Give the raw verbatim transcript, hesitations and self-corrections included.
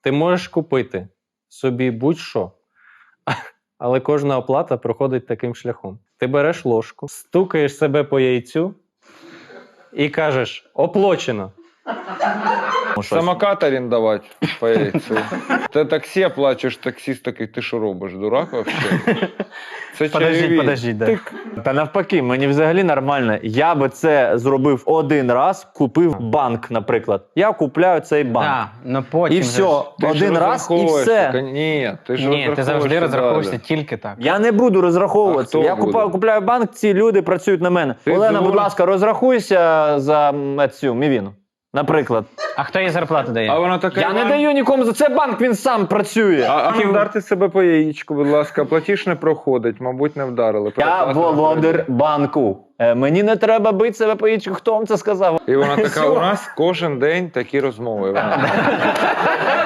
Ти можеш купити собі будь-що, але кожна оплата проходить таким шляхом. Ти береш ложку, стукаєш себе по яйцю і кажеш «оплачено». Самокат орендувати по яйцю. Ти таксі оплачуєш, таксіст такий, ти що робиш, дурак вообще? Це Подождіть, чайові. подождіть, да. Тик. Та навпаки, мені взагалі нормально. Я би це зробив один раз, купив банк, наприклад. Я купляю цей банк. Так, ну потім. І же все, ж- Ти ж один раз і розраховуєшся. все. Ні, ти ж Ні, ти завжди розраховуєшся розраховуєшся далі. тільки так. Я не буду розраховуватися. А хто Я буде? купаю, купляю банк, ці люди працюють на мене. Ти Олена, будь дура. ласка, розрахуйся за м, цю мівіну. Наприклад. А хто їй зарплату дає? А вона така... Я не даю нікому за це банк, він сам працює. А, а вдарте себе по яєчку, будь ласка, платіж не проходить, мабуть, не вдарили. Я Переплата не володар банку. Е, Мені не треба бити себе по яєчку. Хто вам це сказав? І вона така, Всьо. у нас кожен день такі розмови. Вона